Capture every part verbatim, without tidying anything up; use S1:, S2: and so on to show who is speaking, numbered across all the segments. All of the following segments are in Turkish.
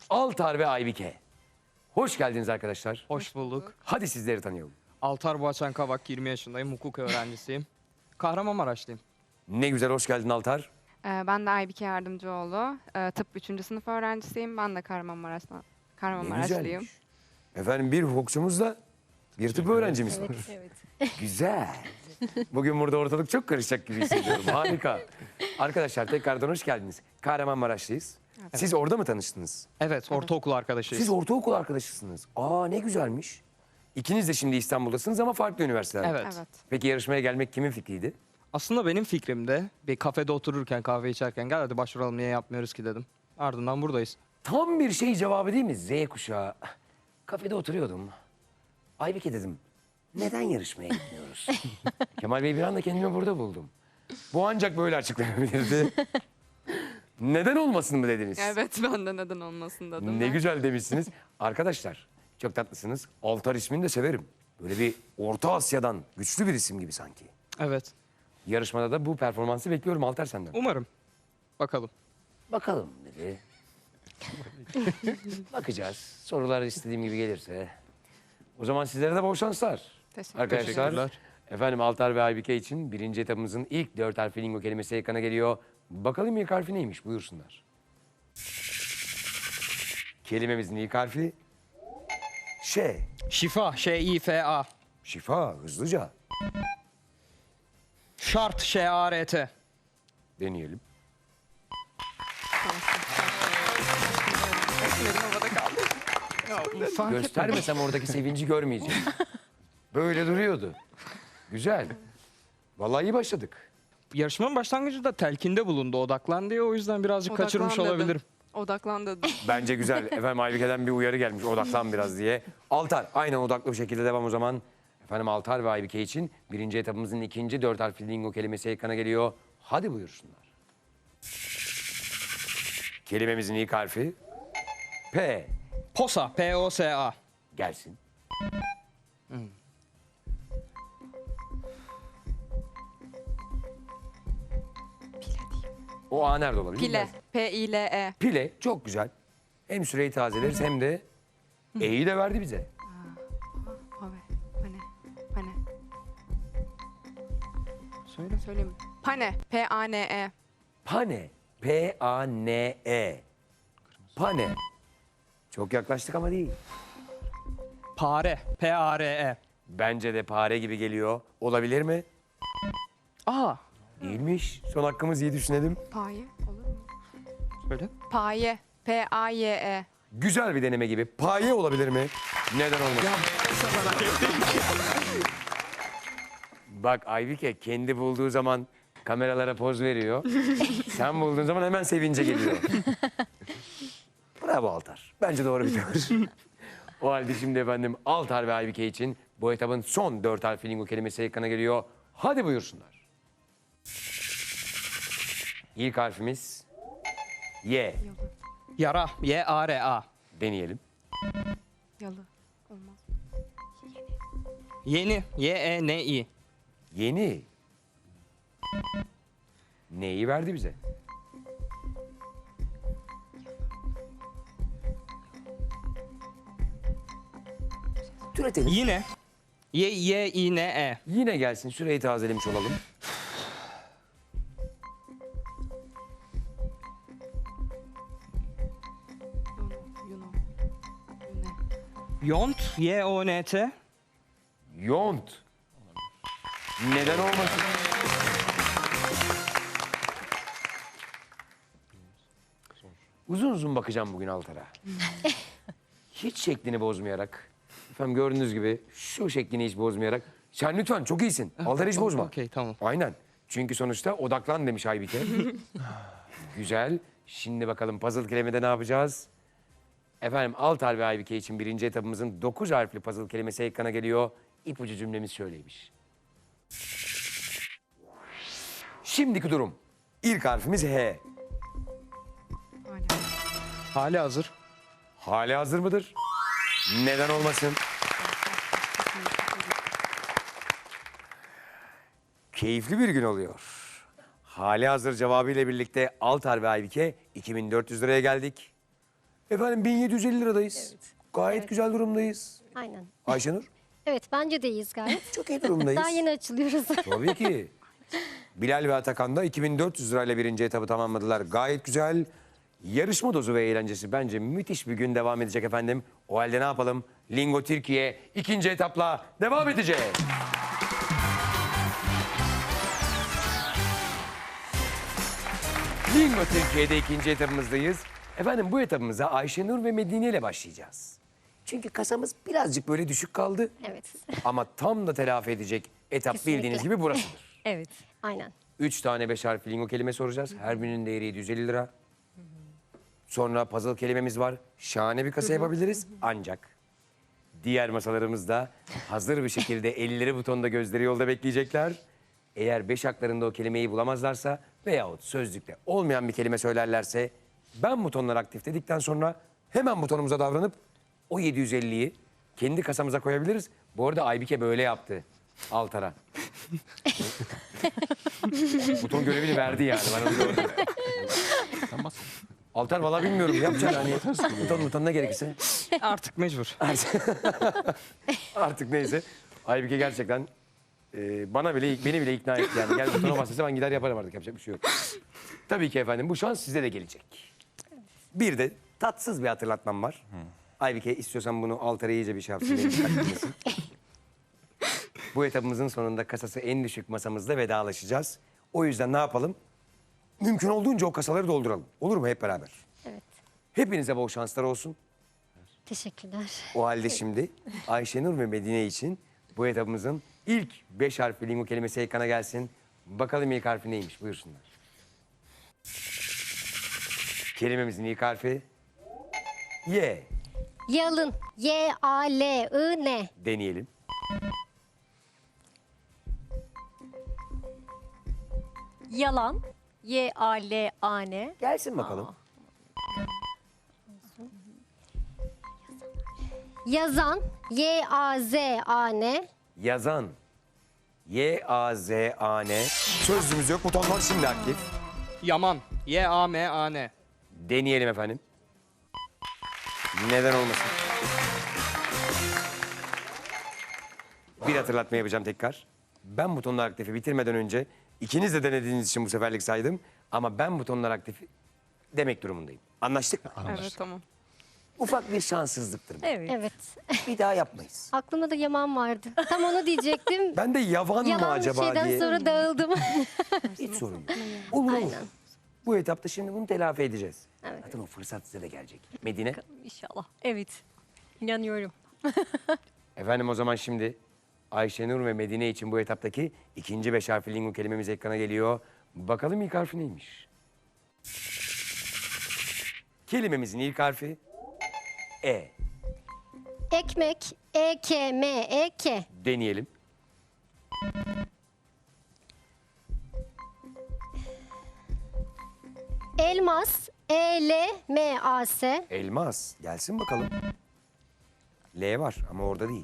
S1: Altar ve Aybike. Hoş geldiniz arkadaşlar.
S2: Hoş bulduk.
S1: Hadi sizleri tanıyalım.
S2: Altar Boğaçan Kavak, yirmi yaşındayım, hukuk öğrencisiyim. Kahramanmaraşlıyım.
S1: Ne güzel, hoş geldin Altar.
S3: Ee, Ben de Aybike Yardımcıoğlu. Ee, Tıp üçüncü sınıf öğrencisiyim. Ben de Kahramanmaraş'tan,
S1: Ne
S3: Kahramanmaraşlıyım.
S1: güzelmiş. Efendim bir hukukçumuzla bir tıp öğrencimiz var.
S4: Evet, evet.
S1: Güzel. Bugün burada ortalık çok karışacak gibi hissediyorum. Harika. Arkadaşlar tekrardan hoş geldiniz. Kahramanmaraşlıyız. Siz orada mı tanıştınız?
S2: Evet, ortaokul arkadaşıyız.
S1: Siz ortaokul arkadaşısınız. Aa ne güzelmiş. İkiniz de şimdi İstanbul'dasınız ama farklı üniversitelerde.
S2: Evet.
S3: Evet.
S1: Peki yarışmaya gelmek kimin fikriydi?
S2: Aslında benim fikrimde bir kafede otururken, kahve içerken gel hadi başvuralım niye yapmıyoruz ki dedim. Ardından buradayız.
S1: Tam bir şey cevabı değil mi? Z kuşağı. Kafede oturuyordum. Aybike dedim. Neden yarışmaya gitmiyoruz? Kemal Bey bir anda kendimi burada buldum. Bu ancak böyle açıklanabilirdi. Neden olmasın mı dediniz?
S3: Evet, ben de neden olmasın dedim.
S1: Ne
S3: ben.
S1: güzel demişsiniz. Arkadaşlar çok tatlısınız. Altar ismini de severim. Böyle bir Orta Asya'dan güçlü bir isim gibi sanki.
S2: Evet.
S1: Yarışmada da bu performansı bekliyorum Altar senden.
S2: Umarım. Bakalım.
S1: Bakalım dedi. Bakacağız. Sorular istediğim gibi gelirse. O zaman sizlere de bol şanslar.
S3: Teşekkür
S1: Arkadaşlar,
S2: Teşekkürler.
S1: efendim Altar ve Aybike için birinci etapımızın ilk dört harfli lingo kelimesi ekrana geliyor. Bakalım ilk harfi neymiş? Buyursunlar. Kelimemizin ilk harfi Ş.
S2: Şifa, Ş-İ-F-A.
S1: Şifa, hızlıca.
S2: Şart, Ş-A-R-T.
S1: Deneyelim.
S3: Elim havada kaldı.
S2: Fark etmez.
S1: Göstermesem oradaki sevinci görmeyeceğim. Böyle duruyordu. Güzel. Vallahi iyi başladık.
S2: Yarışmanın başlangıcında telkinde bulundu, odaklan diye. O yüzden birazcık kaçırmış
S3: Odaklan dedim.
S2: olabilirim.
S3: Odaklan dedim.
S1: Bence güzel. Efendim Aybike'den bir uyarı gelmiş. Odaklan biraz diye. Altar aynen odaklı bir şekilde devam o zaman. Efendim Altar ve Aybike için birinci etapımızın ikinci dört harfli lingo kelimesi ekrana geliyor. Hadi buyursunlar. Kelimemizin ilk harfi P.
S2: Posa, P-O-S-A.
S1: Gelsin. O A nerede olabilir?
S3: Pile. P-I-L-E.
S1: Pile çok güzel. Hem süreyi tazeleriz hem de E'yi de verdi bize.
S3: Pave. Pane. Pane.
S2: Söyle.
S3: Söyleyeyim. Pane. P-A-N-E.
S1: Pane. P-A-N-E. Pane. Çok yaklaştık ama değil.
S2: Pare, P-A-R-E.
S1: Bence de pare gibi geliyor. Olabilir mi?
S2: Aa,
S1: Değilmiş. Son hakkımız iyi düşünelim.
S3: Paye. Olur mu?
S2: söyle.
S3: Paye. P-A-Y-E.
S1: Güzel bir deneme gibi. Paye olabilir mi? Neden olmasın? Bak Aybike kendi bulduğu zaman kameralara poz veriyor. Sen bulduğun zaman hemen sevince geliyor. Bravo Altar. Bence doğru bir tavır. O halde şimdi efendim Altar ve Aybike için bu etapın son dört harfli lingo kelimesi ekrana geliyor. Hadi buyursunlar. İlk harfimiz Y.
S2: Yara, Y-A-R-A.
S1: Deneyelim.
S3: Yalı. Olmaz.
S2: Yeni, Y-E-N-İ.
S1: Yeni. Neyi verdi bize? Türetelim.
S2: Yine, Y-Y-İ-N-E.
S1: Yine gelsin. Süreyi tazelemiş olalım.
S3: Yuno. Yuno. Yune.
S2: Yont, Y-O-N-T.
S1: Yont. Neden olmasın? Uzun uzun bakacağım bugün Altar'a. Hiç şeklini bozmayarak. Efendim gördüğünüz gibi şu şeklini hiç bozmayarak. Sen lütfen çok iyisin. Altar hiç bozma.
S2: Okey, tamam.
S1: Aynen. Çünkü sonuçta odaklan demiş Aybike. Güzel. Şimdi bakalım puzzle kelimede ne yapacağız? Efendim Altar ve Aybike için birinci etapımızın dokuz harfli puzzle kelimesi ekrana geliyor. İpucu cümlemiz şöyleymiş. Şimdiki durum. İlk harfimiz H.
S3: Hala.
S2: Hali hazır.
S1: Hali hazır mıdır? Neden olmasın? Keyifli bir gün oluyor. Hali hazır cevabıyla birlikte Altar ve Aybike iki bin dört yüz liraya geldik. Efendim bin yedi yüz elli liradayız.
S4: Evet.
S1: Gayet
S4: Evet.
S1: güzel durumdayız.
S4: Aynen.
S1: Ayşenur
S4: Evet bence de iyiyiz gayet.
S1: çok iyi durumdayız.
S4: Daha yeni açılıyoruz.
S1: Tabii ki. Bilal ve Atakan da iki bin dört yüz lirayla birinci etabı tamamladılar. Gayet güzel. Yarışma dozu ve eğlencesi bence müthiş bir gün devam edecek efendim. O halde ne yapalım? Lingo Türkiye ikinci etapla devam edecek. Lingo Türkiye'de ikinci etapımızdayız. Efendim bu etapımıza Ayşenur ve Medine ile başlayacağız. Çünkü kasamız birazcık böyle düşük kaldı.
S4: Evet.
S1: Ama tam da telafi edecek etap
S4: Kesinlikle.
S1: bildiğiniz gibi burasıdır.
S4: Evet. Aynen.
S1: Üç tane beş harfli lingo kelime soracağız. Her birinin değeri yedi yüz elli lira. Sonra puzzle kelimemiz var. Şahane bir kasa yapabiliriz. Ancak diğer masalarımız da hazır bir şekilde elleri butonda gözleri yolda bekleyecekler. Eğer beş haklarında o kelimeyi bulamazlarsa veyahut sözlükte olmayan bir kelime söylerlerse ben butonlar aktif dedikten sonra hemen butonumuza davranıp o yedi yüz elliyi kendi kasamıza koyabiliriz. Bu arada Aybike böyle yaptı Altar'a. Buton görevini verdi yani. Ben onu gördüm. Altar valla bilmiyorum. Yapacak hani. Buton buton ne gerekirse.
S2: Artık mecbur.
S1: Artık neyse. Aybike gerçekten e, bana bile beni bile ikna etti yani. Gel butona bas dese ben gider yaparım artık. Yapacak bir şey yok. Tabii ki efendim bu şans size de gelecek. Bir de tatsız bir hatırlatmam var. Aybike istiyorsan bunu Altar'a iyice bir şey yapsın. beni dikkat etmesin. Bu etapımızın sonunda kasası en düşük masamızda vedalaşacağız. O yüzden ne yapalım? Mümkün olduğunca o kasaları dolduralım. Olur mu hep beraber?
S4: Evet.
S1: Hepinize bol şanslar olsun.
S4: Teşekkürler.
S1: O halde şimdi Ayşenur ve Medine için bu etapımızın ilk beş harfli lingo kelimesi ekrana gelsin. Bakalım ilk harfi neymiş? Buyursunlar. Kelimemizin ilk harfi Y.
S4: Yalın. Y A L I N.
S1: Deneyelim.
S5: Yalan. Y A L A N.
S1: Gelsin bakalım.
S4: Yazan. Y A Z A N.
S1: Yazan. Y A Z A N. Sözlüğümüz yok. Butonlar şimdi aktif.
S2: Yaman. Y A M A N.
S1: Deneyelim efendim. Neden olmasın? Bir hatırlatma yapacağım tekrar. Ben butonlar aktifi bitirmeden önce ikiniz de denediğiniz için bu seferlik saydım. Ama ben butonlar aktifi demek durumundayım. Anlaştık mı?
S3: Evet tamam.
S1: Ufak bir şanssızlıktır bu.
S5: Evet.
S4: Evet.
S1: Bir daha yapmayız.
S4: Aklımda da Yaman vardı. Tam onu diyecektim.
S1: Ben de yavan mı
S4: Yalan bir
S1: acaba
S4: şeyden
S1: diye.
S4: sonra dağıldım.
S1: Hiç sorun yok. Olur olur. Bu etapta şimdi bunu telafi edeceğiz.
S4: Evet.
S1: Zaten o fırsat size de gelecek. Medine.
S5: İnşallah. Evet. İnanıyorum.
S1: Efendim o zaman şimdi Ayşenur ve Medine için bu etaptaki ikinci beş harfli lingo kelimemiz ekrana geliyor. Bakalım ilk harfi neymiş? Kelimemizin ilk harfi E.
S4: Ekmek. E K M E K.
S1: Deneyelim.
S4: Elmas. E L M A S.
S1: Elmas. Gelsin bakalım. L var ama orada değil.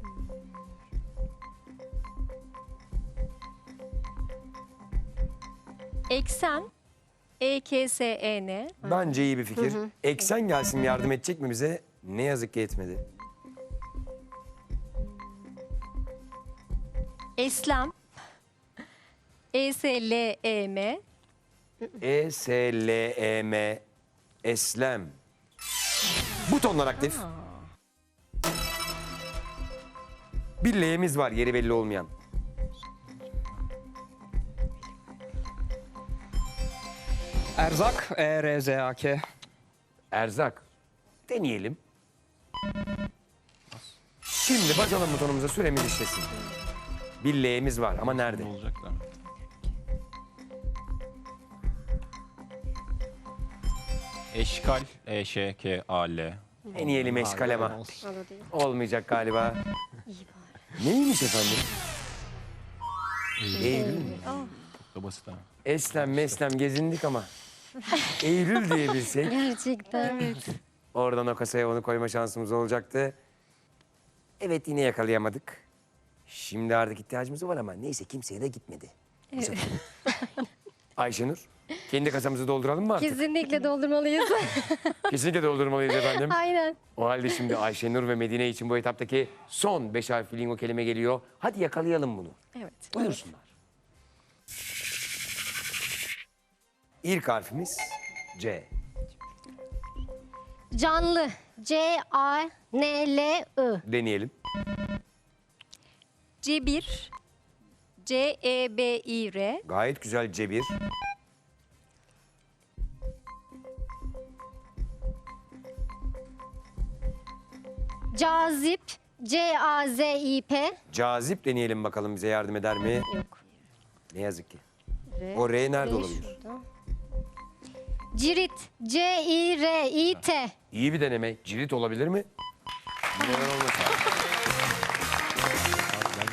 S5: Eksen. E K S E N.
S1: Bence iyi bir fikir. Eksen gelsin yardım edecek mi bize? Ne yazık ki etmedi.
S5: Eslem. E S L E M.
S1: E S L E M. Eslem. Butonlar aktif. Bir L'miz var yeri belli olmayan.
S2: Erzak. E R Z A K.
S1: Erzak. Deneyelim. Şimdi basalım butonumuza süremiz işlesin. Bir L'miz var ama nerede?
S6: Olacak da. Eşkal. E Ş K A L.
S1: Deneyelim eşkal ama.
S4: O da değil.
S1: Olmayacak galiba. Neymiş efendim? Eylül mü?
S6: Çok da basit ha.
S1: Eslem meslem gezindik ama. Eylül diyebilsek.
S4: Gerçekten.
S1: Oradan o kasaya onu koyma şansımız olacaktı. Evet yine yakalayamadık. Şimdi artık ihtiyacımız var ama neyse kimseye de gitmedi. Bu sefer. Ayşenur Kendi kasamızı dolduralım mı artık?
S4: Kesinlikle doldurmalıyız.
S1: Kesinlikle doldurmalıyız efendim.
S4: Aynen.
S1: O halde şimdi Ayşenur ve Medine için bu etaptaki son beş harfli lingo kelime geliyor. Hadi yakalayalım bunu.
S5: Evet.
S1: Buyursunlar. İlk harfimiz C.
S4: Canlı. C A N L I.
S1: Deneyelim.
S5: Cebir. C E B İ R.
S1: Gayet güzel cebir.
S4: Cazip. C A Z I P.
S1: Cazip deneyelim bakalım bize yardım eder mi?
S4: Yok.
S1: Ne yazık ki.
S4: R.
S1: O R nerede
S4: R
S1: olabilir?
S4: şurada. Cirit. C I R I T.
S1: İyi bir deneme. Cirit olabilir mi? Neden olmasın?